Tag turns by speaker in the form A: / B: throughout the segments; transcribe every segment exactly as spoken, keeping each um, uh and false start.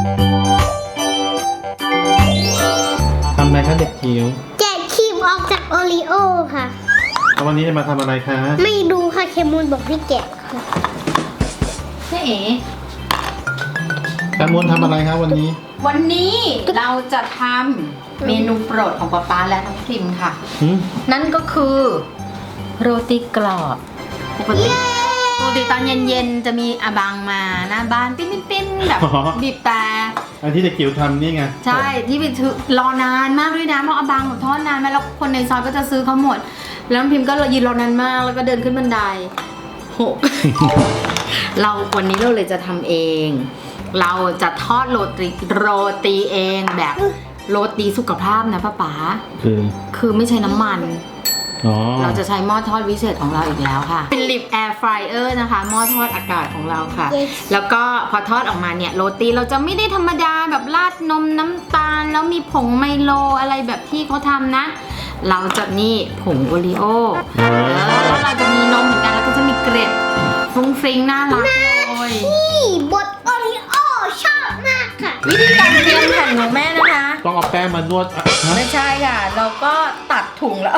A: ทำอะไรคะเด็กจิ๋ว
B: แกะครีมออกจากโอรีโอค่ะ
A: แล้ววันนี้จะมาทำอะไรคะ
B: ไม่ดูค่ะเคมูลบอกให้แกะค่ะ
C: แม่เอ๋
A: แคมูลทำอะไรคะวันนี้
C: วันนี้เราจะทำเมนูโปรดของป๊าป๊าและน้องพิมค่ะนั่นก็คือโรตีกรอบปกติปกติตอนเย็นๆจะมีอาบังมาหน้าบ้านปิ้นๆๆแบบบีบแต่
A: อันที่เด็กจิ๋วทำนี่ไง
C: ใช่ที่ไปถือรอนานมากด้วยนะเพราะอาบังแบบทอดนานมากแล้วคนในซอยก็จะซื้อเขาหมดแล้วน้องพิมก็ยืนรอนานมากแล้วก็เดินขึ้นบันไดโห เราวันนี้เราเลยจะทำเองเราจะทอดโรตีโรตีเองแบบโรตีสุขภาพนะป้าป๋า
A: คือ
C: คือไม่ใช้น้ำมันเราจะใช้หม้อทอดวิเศษของเราอีกแล้วค่ะเป็นลิปแอร์ฟรายเออร์นะคะหม้อทอดอากาศของเราค่ะ yes. แล้วก็พอทอดออกมาเนี่ยโรตีเราจะไม่ได้ธรรมดาแบบราดนมน้ำตาลแล้วมีผงไมโลอะไรแบบที่เขาทำนะเราจะนี่ผงโอรีโอแล้วเราจะมีนมเหมือนกันแล้วก็จะมีเกล็ดฟรุ้งฟริ้งน่ารักเลย
B: นี่บดโอรีโอชอบมากค่ะ
C: วิธีการเตรียมแผ่นของแม่นะคะ
A: ต้องเอาแป้งมานวด
C: ไม่ใช่ค่ะเราก็ตัดถุงแล้ว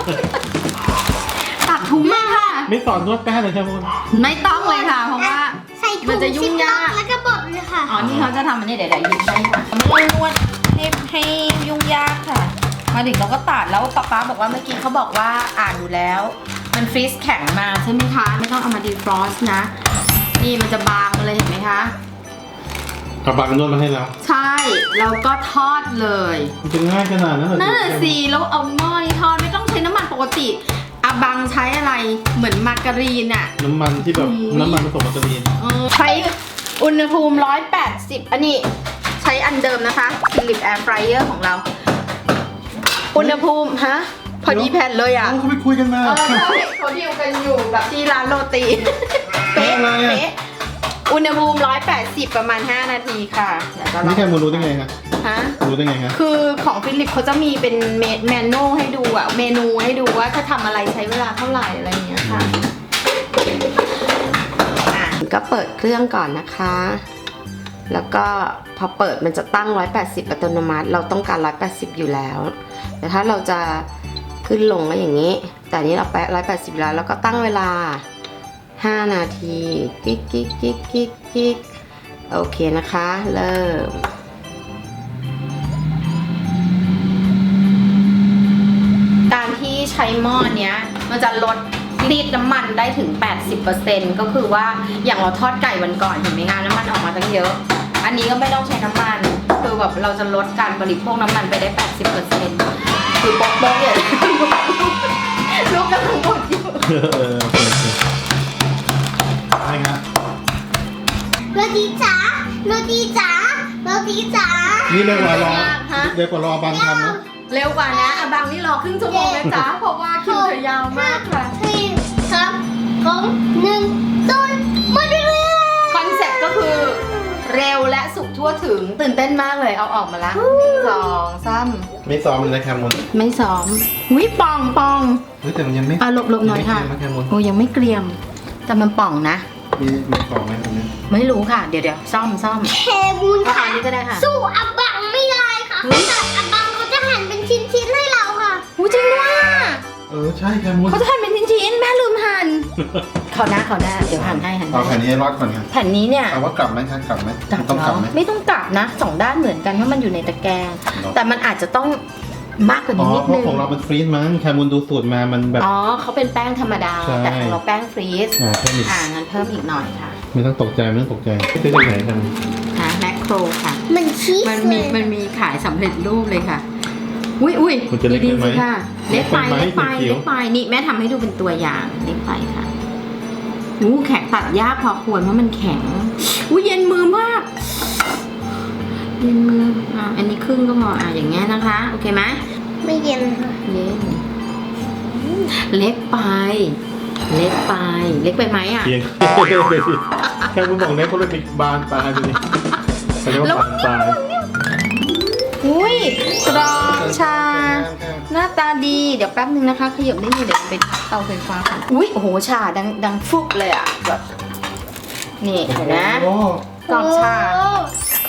C: ตัดถุงมาค่ะ
A: ไม่สอนนวดแป้งเลยใช่ไหมคุณ
C: ไม่ต้องเลยค่ะเพราะว่ามันจะยุ่งยาก
B: แล้วก็บดเลยค่ะ
C: อ๋อนี่เขาจะทำอันนี้เดี๋ยวเดี๋ยวหยิบให้ค่ะไม่ต้องนวดให้ให้ยุ่งยากค่ะมาถึงเราก็ตัดแล้วป๊าป๊าบอกว่าเมื่อกี้เขาบอกว่าอ่านดูแล้วมันฟรีซแข็งมาใช่ไหมคะไม่ต้องเอามาดีฟรอสนะนี่มันจะบางเลยเห็นไหมคะ
A: เอาบางนวดมาให้แล้ว
C: ใช่แล้วก็ทอดเลย
A: มันจะง่ายขนาดนั้นเหรอ
C: นั่นแหละสิแล้วเอาหม้อทอดไม่ต้องใช้น้ำมันปกติอาบังใช้อะไรเหมือนมาการีนอะ
A: น้ำมันที่แบบน้ำมันผสมมาการีน
C: ใช้อุณหภูมิหนึ่งร้อยแปดสิบอันนี้ใช้อันเดิมนะคะฟิลิปแอร์ฟรายเออร์ของเราอุณหภูมิฮะพอดีแผ่นเลยอ่ะ
A: เขาไปคุยกันมา
C: เขาดีลกันอยู่แบบที่ร้านโรตีเป๊ะเป๊ะอุณหภูมิหนึ่งร้อยแปดสิบประมาณห้านาทีค่ะ
A: นี่แค่มูรู้ได้ไงคะ
C: ฮะ
A: รู้ได้ไงคะ
C: คือของฟิลิปเขาจะมีเป็นเมนูให้ดูอ่ะเมนูให้ดูว่าถ้าทำอะไรใช้เวลาเท่าไหร่อะไรอย่างเงี้ยค่ะอ่ะก็เปิดเครื่องก่อนนะคะแล้วก็พอเปิดมันจะตั้งหนึ่งร้อยแปดสิบอัตโนมัติเราต้องการหนึ่งร้อยแปดสิบอยู่แล้วแต่ถ้าเราจะขึ้นลงก็อย่างนี้แต่นี้เราแปะหนึ่งร้อยแปดสิบแล้วแล้วก็ตั้งเวลาห้านาทีกิ๊กกิ๊กกิ๊กกิ๊กกิ๊กโอเคนะคะเริ่มการที่ใช้หม้อเนี้ยมันจะลดรีดน้ำมันได้ถึง แปดสิบเปอร์เซ็นต์ ก็คือว่าอย่างเราทอดไก่วันก่อนเห็นไหมคะน้ำมันออกมาตั้งเยอะอันนี้ก็ไม่ต้องใช้น้ำมันคือแบบเราจะลดการบริโภคน้ำมันไปได้ แปดสิบเปอร์เซ็นต์ คือป๊อกป๊อกเนี่ยลูกกำลังหมดอยู่
A: เอออะไรครับ
B: โรตีจ๋าโรตีจ๋าโรตีจ๋า
A: นี่เร็วกว่ารอเร็วกว่ารอบางทำนะ
C: เร็วกว่านะอาบางนี่รอครึ่งชั่วโมงเลยจ้าเพราะว่าคิวเธอยาวมากค่ะ
B: สี่สามสองหนึ่งศูนย์หมดเวลา
C: คอนเซ็ปต์ก็คือเร็วและสุกทั่วถึงตื่นเต้นมากเลยเอาออกมาละสองซ้ำ
A: ไม่ซ้อมเลยนะแคมูล
C: ไม่ซ้อมวิปองปอง
A: เฮ้ยแต่มันยังไม่
C: อ่ะหลบหลบหน่อยค่ะโอ้ยังไม่เกรียมแต่มันป่องนะ
A: มีมีปองไหมตรงนี้
C: ไม่รู้ค่ะเดี๋ยวเดี๋ยวซ่อมซ่อม
B: แคมูลค่ะ
C: นี้ก็ได้ค่ะ
B: สู้อับบังไม่ได้ค่ะแต่อับบังเขาจะหั่นเป็นชิ้นๆให้เราค่ะ
C: หูจริงด้วย
A: เออใช่แคมูล
C: เขาจะหั่นเป็นชิ้นๆแม่ลืมหั่นเขาหน้าเขาหน้าเดี๋ยวหั่นให้หั่น
A: เอาแผ่นนี้รอดก่อนครับ
C: แผ่นนี้เนี่ย
A: เอาว่ากลับไหมครับกลับไหม
C: ต้องกลับไหมไม่ต้องกลับนะสองด้านเหมือนกันเพราะมันอยู่ในตะแกรงแต่มันอาจจะต้องมากกว่านี้นิดนึง
A: เพราะของเราเป็นฟรีซมั้งแคมูลดูสูตรมามันแบบ
C: อ๋อเขาเป็นแป้งธรรมดาแต่ของเราแป้งฟรีซอ่างั้นเพิ่มอีกหน่อยค่ะ
A: ไม่ต้องตกใจไม่ต้องตกใจซื้อจากไหนกัน
C: ฮะแมคโครค่ะ
B: มันชีส
C: มันมีมันมีขายสำเร็จรูปเลยค่ะอุ้ยอุ้ยดีๆสิค่ะเล็กไปเล็กไปเล็กไปนี่แม่ทำให้ดูเป็นตัวอย่างเล็กไปค่ะอู้แข็งตัดยากพอควรเพราะมันแข็งอู้เย็นมือมากเย็นมืออ่ะอันนี้ครึ่งก็พออ่ะอย่างเงี้ยนะคะโอเคไหม
B: ไม่เย็นค่ะ
C: เย็นเล็กไปเล็กไปเล็กไปไหมอ่ะ
A: แค่คุณบอกเล็กเขาเลยปิดบานตาดูนี่เขาเรียกว่าบานตา
C: อุ้ยกรอบชาหน้าตาดีเดี๋ยวแป๊บนึงนะคะขยับนิดนึงเดี๋ยวไปเตาไฟฟ้าค่ะอุ้ยโอ้โหชาดังดังฟุบเลยอ่ะแบบนี่เห็นนะกรอบชาข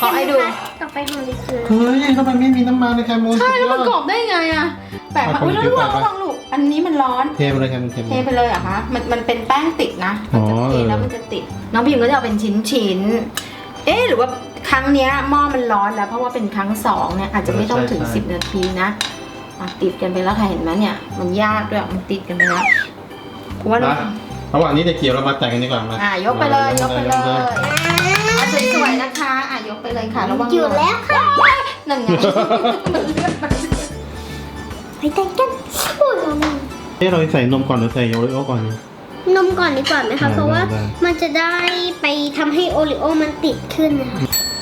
C: ขอให้ดู
B: ต่อไปของดิคือ
A: เฮ้ยทำไมไม่มีน้ำมันในแคมูน
C: ใช่แล้วมันกรอบได้ไงอะแปลกมากอุ้ยแล้วระวังระวังลูกอันนี้มันร้อน
A: เทไปเลยแคมูนเท
C: เทไปเลยเหรอะคะมันมันเป็นแป้งติดนะมันจะเทแล้วมันจะติดน้องพิมก็จะเอาเป็นชิ้นชิ้นๆเอ๊ะหรือว่าครั้งเนี้ยหม้อมันร้อนแล้วเพราะว่าเป็นครั้งสองเนี่ยอาจจะไม่ต้องถึงสิบนาทีนะอ่ะติดกันไปแล้วค่ะเห็นไหมเนี่ยมันยากด้วยมันติดกันไปแล้วว่า
A: นะระหว่างนี้เด็กเกี่ยวเรามาแต่งกันดีกว่ามา
C: อ่ะยกไปเลยยกไปเลยอ่ะสวยๆนะคะอ่ะยกไปเลยค่ะระวัง
B: อยู่แล้วค่ะ
C: นั่นไง
B: ไปแต่งกันโอ้ยนม
A: เอ๊ะเราใส่นมก่อนหรือใส่โอริโอก่อนดี
B: นมก่อนดีกว่าไหมคะ
A: ได้
B: เพราะว่า
A: ได้
B: มันจะได้ไปทำให้โอริโอมันติดขึ้นนะคะ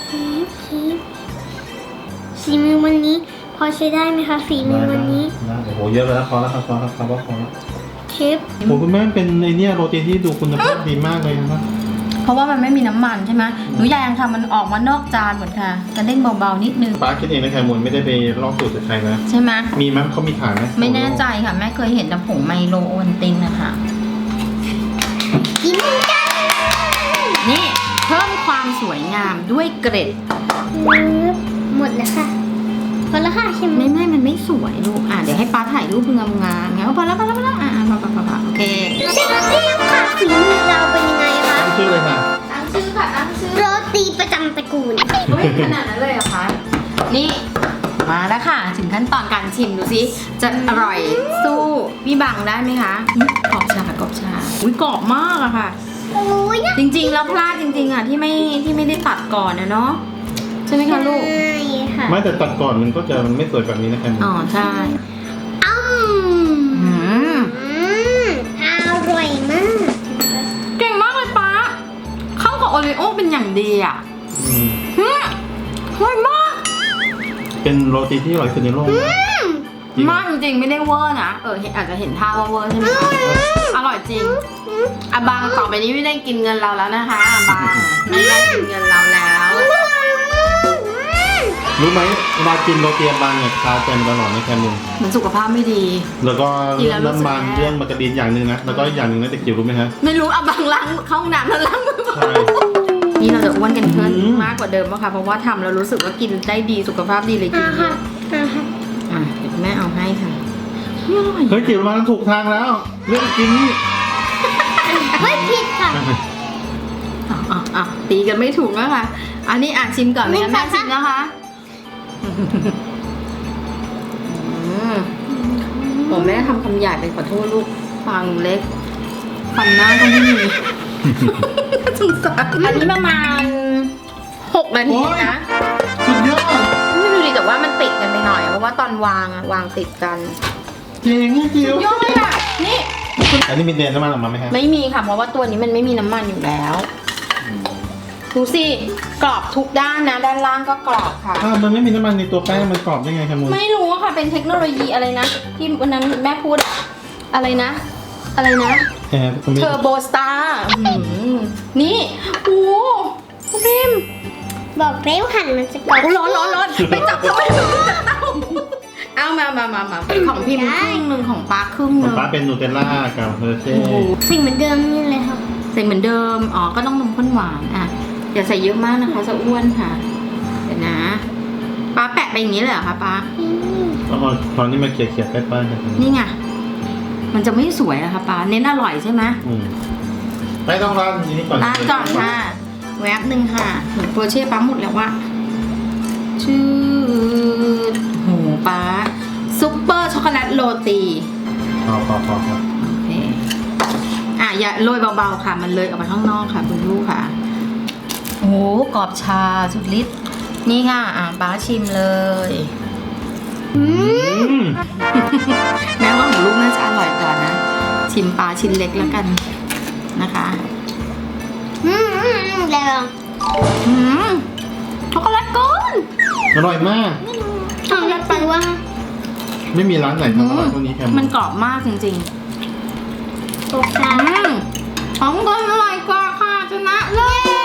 B: ฝีมือวันนี้ พอใช้ได้ไหมคะฝีมือวันนี้
A: ได้โอ้โหเยอะแล้วพอแล้วครับพอแล้วครับพอแล้ว
B: เชฟ
A: โอ้คุณแม่เป็นไอเนี่ยโรตีที่ดูคุณภาพดีมากเลยนะครับ
C: เพราะว่ามันไม่มีน้ำมันใช่ไหมหนูอยากทำมันออกมานอกจานเหมือนค่ะกระเด้งเบาๆนิดนึง
A: ป้าคิดเองนะแคมูนไม่ได้ไปลอกสูตรจากใครนะ
C: ใช่ไหม
A: มีมั้ยเขามีขายไหม
C: ไม่แน่ใจค่ะแม่เคยเห็นแต่ผงไมโลโอวัลตินนะคะ
B: กินกัน
C: นี่เพิ่มความสวยงามด้วยเกร็ด
B: หมดแล้วค่ะพอแล้วค่ะใช่ไหม
C: ไม่ไม่มันไม่สวยลูกอ่ะเดี๋ยวให้ป้าถ่ายรูปงามๆงั้นพอแล้วพอแล้วพอแล้วอ่ะพอพอพอพอโอเค
B: เชฟเรียกค่ะฝีมือเราเป็นยังไงคะ
A: ตั้งชื่อเลยค่ะ
C: ตั้งชื่อค่ะตั้งชื่อ
B: โรตีประจำตระกูล
C: เฮ้ยขนาดนั้นเลยเหรอคะนี่มาแล้วค่ะถึงขั้นตอนการชิมดูสิจะอร่อยสู้พี่บังได้ไหมคะอุ๊ยกรอบชากรอบชาอุ้ยกรอบมากอะค่ะ
B: โอ้ยนะ
C: จริงๆ แล้วพลาดจริงๆ อ่ะที่ไม่ที่ไม่ได้ตัดก่อนนะเนาะใช่ไหมคะลูก
B: ใช่ค่ะ
A: ไม่แต่ตัดก่อนมันก็จะมันไม่สวยแบบนี้นะแคมูน
C: อ๋อใช่
B: อืม
C: อืม
B: อืมอร่อยมาก
C: เก่งมากเลยป้าเข้ากับโอริโอเป็นอย่างดีอ่ะ
A: อืม
C: อืมอร่อยมาก
A: เป็นโรตีที่อร่อยสุดในโลกนะจริง
C: มากจริงๆไม่ได้เวอร์นะเออเห็นอาจจะเห็นท่าว่าเวอร์ใช่ไหมคะอร่อยจริงอาบางต่อไปนี้ไม่ได้กินเงินเราแล้วนะคะอาบางไม่ได้กินเงินเราแล้ว
A: รู้ไหมเวลากินโรตีบางเนี่ยคาใจมันตลอดนะแคมูน
C: มันสุขภาพไม่ดี
A: แล้วก็
C: กินแล้วรู้สึก
A: น้ำมัน
C: แย่
A: เรื่องมาการีนอย่างหนึ่งนะแล้วก็อีกอย่างหนึ่งนะเด็กจิ๋วรู้ไหมฮะ
C: ไม่รู้อาบางล้างเข้าห้องน้ำแล้วล้างมือ
A: ใช่
C: นี่เราจะอ้วนกันขึ้น
A: อืม
C: มากกว่าเดิมอะค่ะเพราะว่าทำแล้วรู้สึกว่ากินได้ดีสุขภาพดีเลยกิน
B: อ่า
C: เย
B: ค่ะ
C: อะ
B: อ่าค่ะ
C: อ่ะเดี๋ยวแม่เอาให้ค่ะอร่อย
A: เฮ้ยจิ๋วมาถูกทางแล้ว เรื่องกินนี่
B: เฮ้ยผิดค่ะ
C: อ่ะอ่ะอ่ะตีกันไม่ถูกแล้วค่ะ อันนี้อ่ะชิมก่อนไหมคะแม่ชิมนะคะอืมผมแม่ทำคำหยาบไปขอโทษลูกฟังเล็กฟันหน้าก็ไม่มี สงสารอันนี้ประมาณหกนาทีนะ
A: สุดยอด
C: ไม่ดูดิแต่ว่ามันติดกันไปหน่อยเพราะว่าตอนวางอะวางติดกัน
A: เจ๋งอะจิ๋วย
C: อดเลยอะนี่
A: อันนี้มีเดนน้ำมันออกมาไหมฮะ
C: ไม่มีค่ะเพราะว่าตัวนี้มันไม่มีน้ำมันอยู่แล้วดูสิกรอบทุกด้านนะ ด้านล่างก็กรอบค่ะ
A: อ้าวมันไม่มีน้ำมันในตัวแป้งมันกรอบได้ไงครับมูน
C: ไม่รู้อะค่ะเป็นเทคโนโลยีอะไรนะ ที่วันนั้นแม่พูดอะไรนะ อะไรนะ
A: แอบคุณ
C: เท
A: พี่
C: อร์โบสตาร์นี่โอ้โหคุณพิม
B: บอกแล้วหั่นมันจะกรอบ
C: ร้อนร้อนร้อนไปจับทำไมเอามามามามาของพิมพ์ครึ่งหนึ่งของปาครึ่งห
A: ของ
C: นึ่ง
A: ป้าเป็นนูเทลล่ากับเฮอร์เช่
C: โอ้โห
B: สิ่งเหมือนเดิมนี่เลยค่ะ
C: ใส่เหมือนเดิม อ๋อ ก็ต้องนมข้นหวานอ่ะอย่าใส่เยอะมากนะคะจะอ้วนค่ะ เดี๋ยวนะป้าแปะไปอย่างนี้เลยเหรอคะป้า
B: อืม
A: แล้วก็ตอนนี้มาเขี่ยเขี่ยๆแป้งๆกัน
C: นี่ไง มันจะไม่สวยนะคะป้า เน้นอร่อยใช่ไหม
A: อืมไม่ต้องร้านทีนี้ก่อน
C: ร้านก่อนค่ะ แวบหนึ่งค่ะเหมือนโปรเช่ป้าหมดแล้วว่าชื่อโหป้าซุปเปอร์ช็อกโกแลตโรตี
A: พอพอพอพอ
C: โอเค อ่ะอย่าโรยเบาๆค่ะ มันเลยออกมาข้างนอกค่ะคุณลูกค่ะ โอ้โหกรอบชาสุดฤทธิ์นี่ค่ะ อ่ะป้าชิมเลย
A: อืม
C: แม้ว่าของลูกน่าจะอร่อยกว่านะ ชิมปลาชิ้นเล็กแล้วกันนะคะ
B: อืมอืมอืมแล้ว
C: อืมช็อกโกแลตก้อน
A: อร่อยมาก
B: ช็อกโกแลตไปว่า
A: ไม่มีร้านไหนทำอร่อยเท่านี้แคม
C: มันกรอบมากจริง
B: โอเค
C: ๆอืมของก้อนอร่อยกว่าค่ะชนะเลย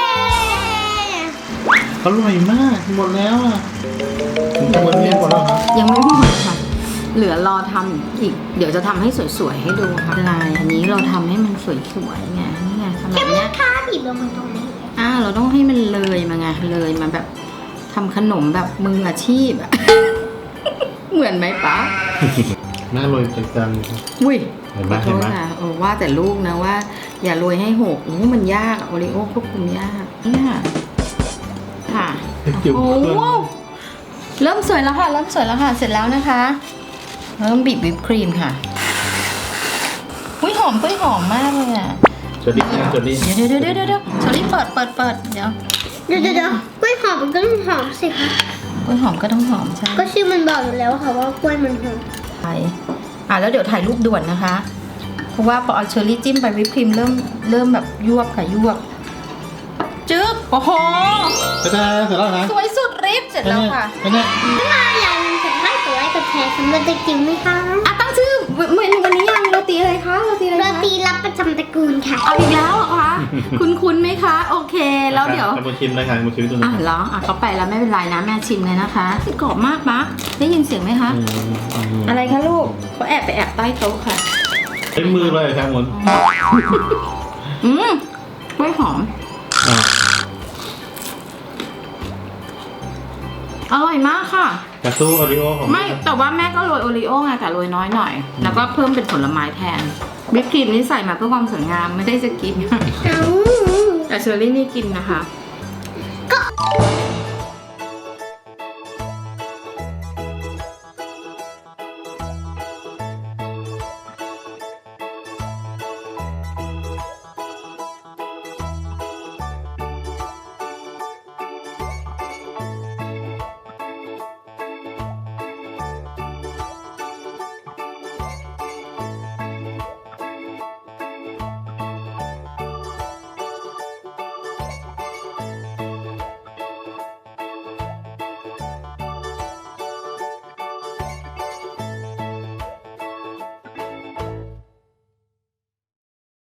A: อร่อยมากหมดแล้วอ่ะผมจะหมดเรียนหมดแล้วครับ
C: ยังไม่หมดค่ะ เหลือรอทำอีก เดี๋ยวจะทำให้สวยๆให้ดูค่ะลายอันนี้เราทำให้มันสวยๆไงนี่ไงทำแบบเนี้ย
B: ถ้าบีบลงมาตรงนี้
C: อ่าเราต้องให้มันเลยมาไงเลยมาแบบทำขนมแบบมืออาชีพอะ เหมือนไหมป๊า
A: น่าโรยจังจัง
C: อุ้ย
A: เห็นไหม
C: ขอโท
A: เห็น
C: ษ
A: ไหม
C: ค่ะเออว่าแต่ลูกนะว่า อย่าโรยให้หกอู้มันยากโอริโอควบคุมยากเนี่ยค่ะ
A: จิ๋ว
C: โอ้
A: เครื่อง
C: โหเริ่มสวยแล้วค่ะ เริ่มสวยแล้วค่ะ เสร็จแล้วนะคะ เริ่มบีบวิปครีมค่ะอุ้ยหอมปุ้ยหอมมากเลยอ่ะ
A: เชอรี่นะเชอรี่
C: เดี๋ยวเดี๋ยวเดี๋ยวเดี๋ยวเดี๋ยวชอรี่เปิดเปิดเปิดเดี๋ยว
B: เดี๋ยวเดี๋ยวเดี๋ยวกล้วยหอมมันก็ต้องหอมสิคะ
C: ปุ้ยหอมก็ต้องหอมใช่
B: ก็ชื่อมันบอกอยู่แล้วค่ะว่ากล้วยมันหอม
C: ไปอ่ะแล้วเดี๋ยวถ่ายรูปด่วนนะคะ เพราะว่าพอเอาเชอร์รี่จิ้มไปวิปครีมเริ่มเริ่มแบบยวบค่ะยวบจึ๊กโอ้โห
A: จะได้เสร็จแล้วนะ
C: สวยสุดฤทธิ์เสร็จแล้วค่ะ
A: เป็นไง
B: ถ้ามาอย่าลืมกดไลค์กดไลค์กดแชร์สำหรับเด็กจิ๋วไหมคะ
C: อ่ะตั้งชื่อเมนูวันนี้ยังโรตีอะไรคะโรตีอะไร
B: โร
C: คะ
B: ตีรับประจำตระกูลค่ะ
C: เอาอีกแล้วเหรอคะคุณคุณไหมคะ โอเคแล้วเดี๋ยว
A: มาชิมเลยค่ะมาชิมตัวนี้
C: อ่ะเหรออ่ะเขาไปแล้วไม่เป็นไรนะแม่ชิมเลยนะคะกรอบมากปะได้ยินเสียงไหมคะ
A: อืมอืม
C: อะไรคะลูกเขาแอบไปแอบใต้โต๊ะค่ะ
A: ใช้มือเลยครับหมุน
C: อืมกล้วยหอม
A: อ่า
C: อร่อยมากค่ะ
A: กระสู้โอริโอของ
C: ไม่แต่ว่าแม่ก็โรยโอรีโอไงแต่โรยน้อยหน่อย แล้วก็เพิ่มเป็นผลไม้แทนวิปครีมนี่ใส่มาเพื่อความสวยงามไม่ได้จะกิน
B: เอ้า
C: แต่เชอร์รี่นี่กินนะคะ
B: ก็